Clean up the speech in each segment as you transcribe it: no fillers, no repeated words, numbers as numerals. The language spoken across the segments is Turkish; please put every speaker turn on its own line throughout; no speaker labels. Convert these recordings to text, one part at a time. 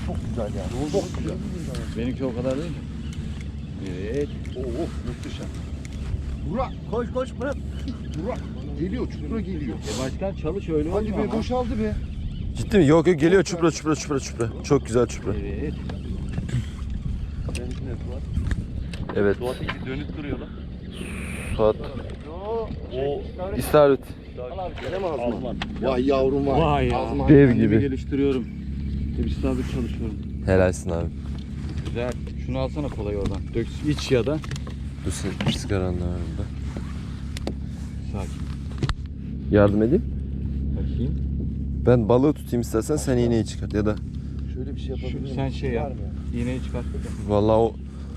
çok güzel yani. Çok güzel.
Benimki o kadar değil. Evet.
Muhteşem. Burak koş Murat. Burak geliyor, çupra geliyor.
Başkan çalış öyle
Hadi be, boşaldı be.
Ciddi mi? Yok geliyor çupra. Çok güzel çupra.
Evet.
Evet.
Suat'ı gibi dönüp duruyor lan.
Suat.
O
İstavrit.
Gene mi Azman?
Azman.
Vay yavrum vay.
Vay ya.
Azman.
Dev
Kendimi
gibi.
geliştiriyorum. Bir sabit çalışıyorum.
Helalsin abi.
Güzel. Şunu alsana kolay oradan. Dök iç ya da.
Dur sen sigaranla var burada.
Sakin.
Yardım edeyim.
Bakayım.
Ben balığı tutayım istersen sen iğneyi çıkart ya da.
Şöyle bir şey yapabilir miyim?
Sen şey yap.
Var mı?
İğneyi çıkart.
Vallahi o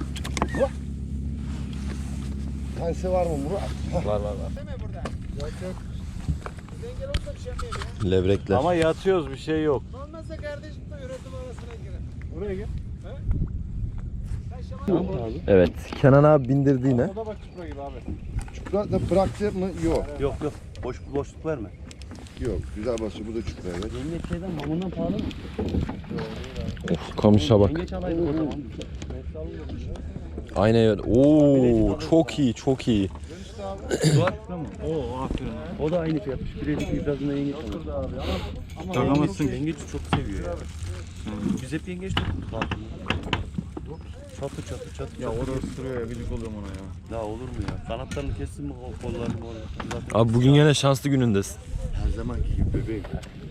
Tanesi var mı Murat?
Var.
levrekler.
Ama yatıyoruz, bir şey yok.
Olmazsa kardeşim de üretim arasına girer.
Buraya gel.
Evet. Kenan abi bindirdi yine.
O da bak çupra gibi abi.
Çupra da bıraktı mı? Yok.
Yok. Boşluk verme.
Yok. Güzel basıyor. Bu da çupra evet.
Yengeç şeyden mamundan pahalı mı?
Of kamışa bak.
Yengeç alaydık o zaman.
Aynen öyle. Oo çok iyi.
Suat mı? Oo aferin. O da aynı fiyatmış. Birebir birazından yengeç alır.
Takamazsın.
Yengeç çok seviyor ya. Biz hep yengeç tuttuk altında. Çatı.
Ya orada ısırıyor ya, gıcık oluyorum ona ya.
Ya olur mu ya? Kanatlarını kessin mi o kollarını zaten.
Abi bugün yine şanslı günündesin.
Her zamanki gibi bebeğim.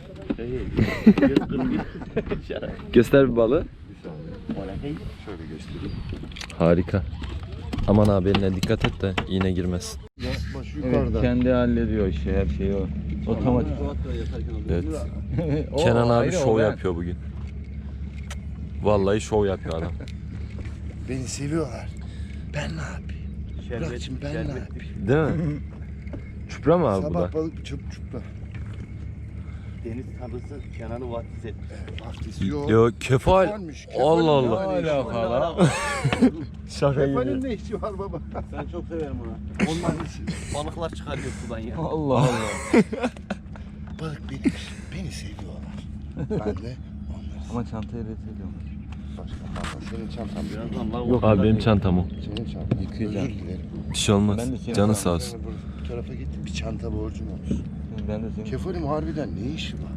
Göster bir balığı.
Şöyle göstereyim.
Harika. Aman abi eline dikkat et de iğne girmez.
Baş
Evet,
yukarıda.
kendi hallediyor işi, her şeyi o. Otomatik.
Evet.
O
Kenan abi
ayrı,
şov
o ben.
yapıyor bugün. Vallahi şov yapıyor adam.
Beni seviyorlar. Ben ne yapayım? Bırakçım ben ne yapayım?
Değil mi? Çupra mı abi bu da?
Sabah balık çupra.
Deniz tanrısı Kenan'ı vatiz etmiş.
Vaftisi yok.
Yok kefal.
Kefalmiş.
Allah Allah.
Hala falan.
Şaka
Kefalin
gibi.
ne işi var baba?
Ben çok severim onu. Onlar balıklar çıkarıyor sudan ya.
Allah Allah.
Balık benim. Beni seviyorlar. Ben de onları.
Ama çantayı reddediyorum.
Başka fazla. Senin çantan biraz.
Birazdan lan
Yok abi benim çantam o.
Senin çantan.
Yıkayacağım.
Özür dilerim.
Bir şey olmaz.
Ben de senin
Canı
çantam.
sağ olsun.
Bu tarafa git. Bir çanta borcum olsun.
Ben de senin.
Kefalim harbiden ne işi var?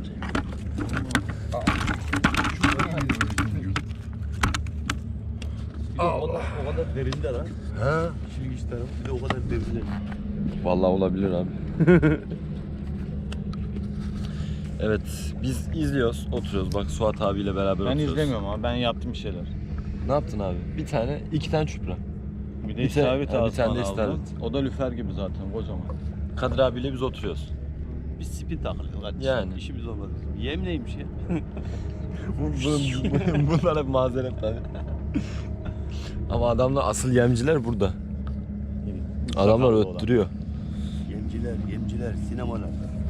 O kadar derinde lan.
Ha?
Şimdi iç tarafı bir de o kadar derinde.
Vallahi olabilir abi. Evet biz izliyoruz, oturuyoruz. Bak Suat abiyle beraber
Ben
oturuyoruz.
izlemiyorum ama ben yaptım bir şeyler.
Ne yaptın abi? İki tane çupra.
Bir de
Bir te-
istavrit
ha, bir tane
ağzından
de
aldım.
istavrit.
O da lüfer gibi zaten, kocaman.
Kadir abiyle biz oturuyoruz.
Biz spin takırız kardeşim.
Yani.
İşimiz olmaz bizim. Yem neymiş ya?
Bunlar hep mazeret tabii. Ama adamlar asıl yemciler burada. Adamlar
Sakallı olan.
öttürüyor.
Yemciler, sinemalar.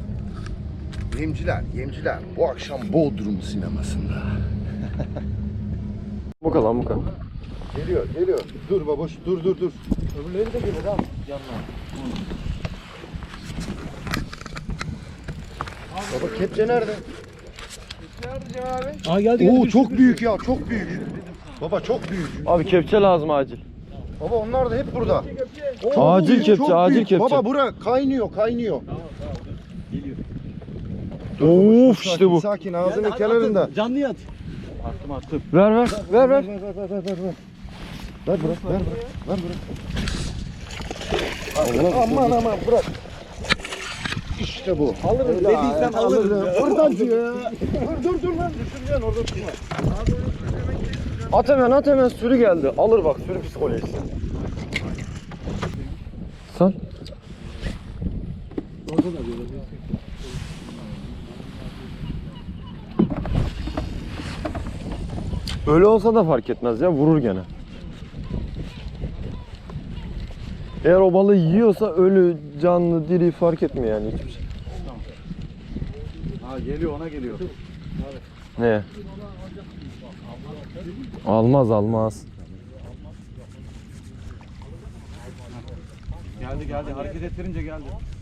Yemciler. Bu akşam Bodrum sinemasında.
Muka.
Geliyor. Dur baboş, dur.
Öbürleri de gelir abi yanına.
Baba kepçe nerede?
Aa geldi.
Oo çok büyük ya, çok büyük. Baba çok büyük.
Abi kepçe lazım acil.
Baba onlar da hep burada. Oo,
Acil
büyük,
kepçe,
çok
acil
büyük.
kepçe.
Baba bura kaynıyor.
Of işte bu.
Sakin ağzının kenarında.
Canlı yat.
Attım.
Ver.
Ver bırak. Aman bırak. İşte bu.
Alırım dediysen alırım.
Buradan diyor ya. Dur lan düşüreceksin orada tutma.
At hemen sürü geldi. Alır bak sürü psikolojisi. Sal. Öyle olsa da fark etmez ya, vurur gene. Eğer o balığı yiyorsa ölü, canlı, diri fark etmiyor yani hiçbir şey.
Ha geliyor, ona geliyor.
Ne? Almaz.
Geldi. Hareket ettirince geldi.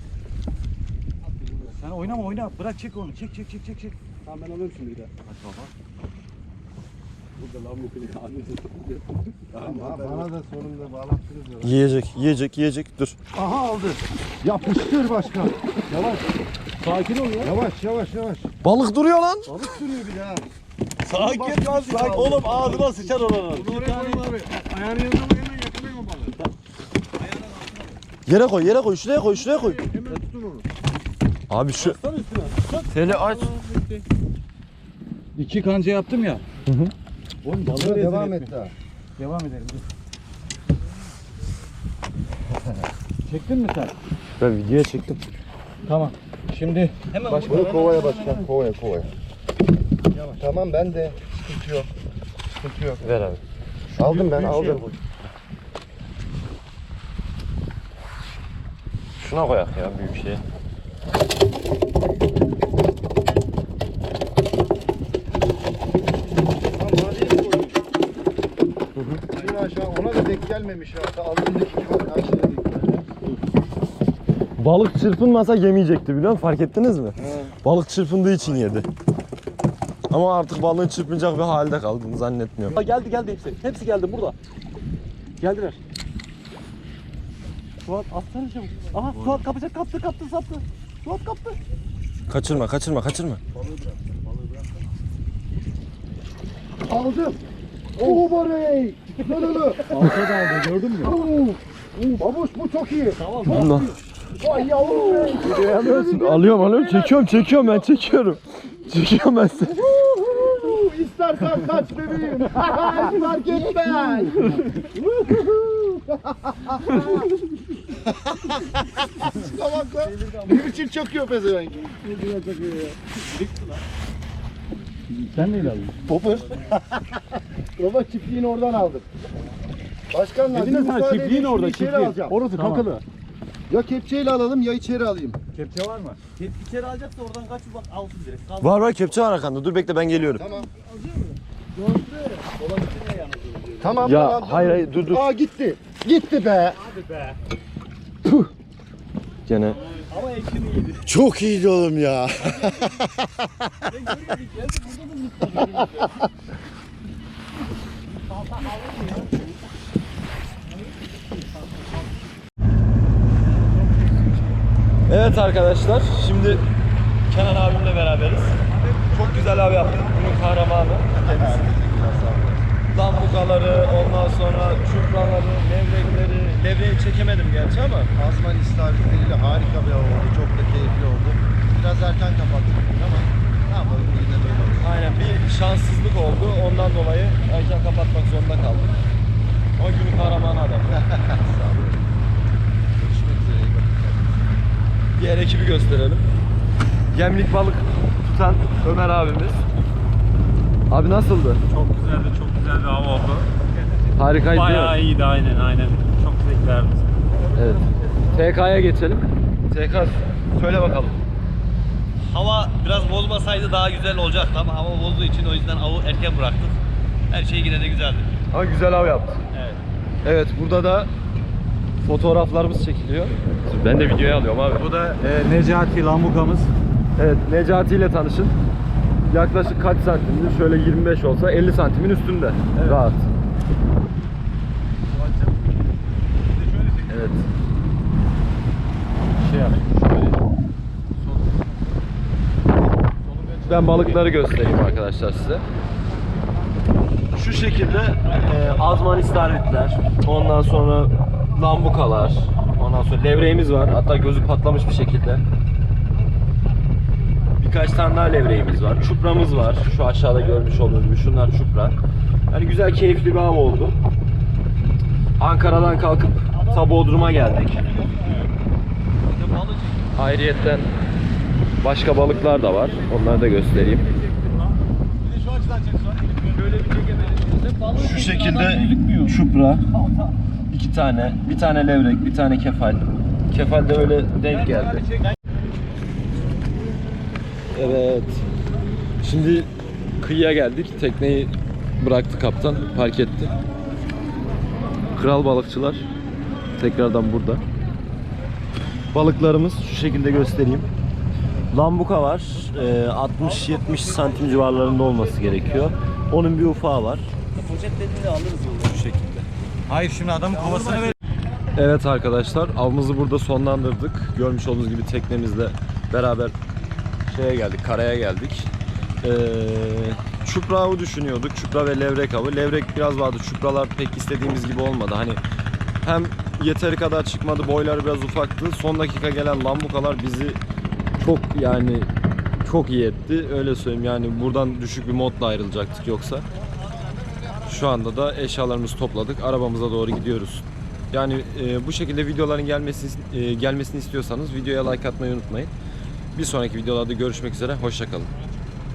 Sen oynama. Bırak çek onu. Çek.
Tamam ben alıyorum şimdi bir daha.
Hadi baba.
Ama bana da sonunda bağlattınız ya.
Yiyecek. Dur.
Aha aldı. Yapıştır başkan. Yavaş. Sakin ol ya. Yavaş.
Balık duruyor lan.
Balık sürüyor bir daha.
Sakin lan sakin. Oğlum ağzına sıçar oranın.
Oraya koyma abi. Ayağını yanına hemen yakalayın o balığı.
Yere koy. Şuraya koy.
Hemen tutun onu.
Abi şu. Teli aç.
2 kanca yaptım ya.
Oğlum balığa devam et daha.
Devam edelim. Dur. Çektin mi sen?
Ben videoya çektim.
Tamam. Şimdi
Bunu kovaya başkan. Kovaya. Tamam ben de. Sıkıntı yok.
Ver abi.
Aldım ben aldım.
Şuna koyak ya büyük şeye.
Şunu aşağı ona da denk gelmemiş ya. Aldığındaki gibi aşağıya denk geldi.
Balık çırpınmasa yemeyecekti biliyor musun? Fark ettiniz mi? Balık çırpındığı için yedi. Ama artık balığın çırpınacak bir halde kaldığını zannetmiyorum.
Geldi hepsi. Hepsi geldi burada. Geldiler. Suat atsana çabuk. Aha Suat kapacak kaptı sattı. Suat kaptı.
Kaçırma.
Aldım. Oo barey.
alta da aldı gördün mü?
Babuş bu çok iyi.
Bundan.
Vay yavrum be.
Alıyorum. Çekiyorum ben. Çekiyorum ben seni.
İstersen kaç bebeğim. Fark etmez. Bak lan. Ne biçim çakıyor pezevenk.
Sen neyle aldın?
Popper. Baba çiftliğini oradan aldım. Başkanlar
Dedin sen çiftliğin orada çiftliğin.
alacağım.
Orası kakalı.
Ya kepçeyle alalım ya içeri alayım.
Kepçe var mı?
İçeri alacaksa oradan kaç bak alsın direkt. Kalsın.
Var kepçe var arkanda. Dur bekle ben geliyorum.
Tamam. Tamam.
Ya
tamam,
hayır dur.
Aa gitti. Gitti be.
Hadi be.
Gene.
Ama ekşini yedi.
Çok iyiydi oğlum ya.
Evet arkadaşlar, şimdi Kenan abimle beraberiz. Çok güzel abi yaptık. Günün kahramanı. Lambukaları, ondan sonra çupraları, levrekleri. Levreyi çekemedim gerçi ama.
Azman istavritleriyle harika bir av oldu. Çok da keyifli oldu. Biraz erken kapattık bugün ama ne yapalım bugün de böyle oldu.
Aynen bir şanssızlık oldu. Ondan dolayı erken kapatmak zorunda kaldık. Ama günün kahramanı adam.
Sağ olun. Görüşmek üzere. iyi bakın.
Diğer ekibi gösterelim. Gemlik balık tutan Ömer abimiz. Abi nasıldı?
Çok güzeldi, çok güzel bir hava oldu.
Harikaydı.
Bayağı iyiydi, aynen. Çok zevk verdi.
Evet. TK'ya geçelim. TK söyle bakalım.
Hava biraz bozmasaydı daha güzel olacaktı ama hava bozduğu için o yüzden avı erken bıraktık. Her şey yine de güzeldi.
Ama güzel av yaptık.
Evet.
Evet, burada da fotoğraflarımız çekiliyor. Ben de videoya alıyorum abi.
Bu da Necati Lambukamız.
Evet, Necati ile tanışın. Yaklaşık kaç santimdir? Şöyle 25 olsa 50 santimin üstünde. Evet. Rahat. Evet.
Şey yap.
Ben balıkları göstereyim arkadaşlar size. Şu şekilde azman istavritler, ondan sonra lambukalar, ondan sonra levreğimiz var. Hatta gözü patlamış bir şekilde. Birkaç tane daha levreğimiz var. Çupramız var. Şu aşağıda görmüş olduğunuz gibi şunlar çupra. Yani güzel keyifli bir av oldu. Ankara'dan kalkıp ta Bodrum'a geldik. Ayrıyetten başka balıklar da var. Onları da göstereyim. Şu şekilde çupra, 2 tane, bir tane levrek, bir tane kefal. Kefal de öyle denk geldi. Evet. Şimdi kıyıya geldik. Tekneyi bıraktı kaptan, park etti. Kral balıkçılar tekrardan burada. Balıklarımız şu şekilde göstereyim. Lambuka var. 60-70 santim civarlarında olması gerekiyor. Onun bir ufağı var.
Poşetlerini de alırız yolda.
Şu şekilde.
Hayır şimdi adamın kovasını ver.
Evet arkadaşlar, avımızı burada sonlandırdık. Görmüş olduğunuz gibi teknemizle beraber şeye geldik, karaya geldik. Çupra avı düşünüyorduk. Çupra ve levrek avı. Levrek biraz vardı. Çupralar pek istediğimiz gibi olmadı. Hani hem yeteri kadar çıkmadı, boyları biraz ufaktı. Son dakika gelen lambukalar bizi çok iyi etti. Öyle söyleyeyim, yani buradan düşük bir modla ayrılacaktık yoksa. Şu anda da eşyalarımızı topladık. Arabamıza doğru gidiyoruz. Yani bu şekilde videoların gelmesini istiyorsanız videoya like atmayı unutmayın. Bir sonraki videolarda görüşmek üzere. Hoşça kalın.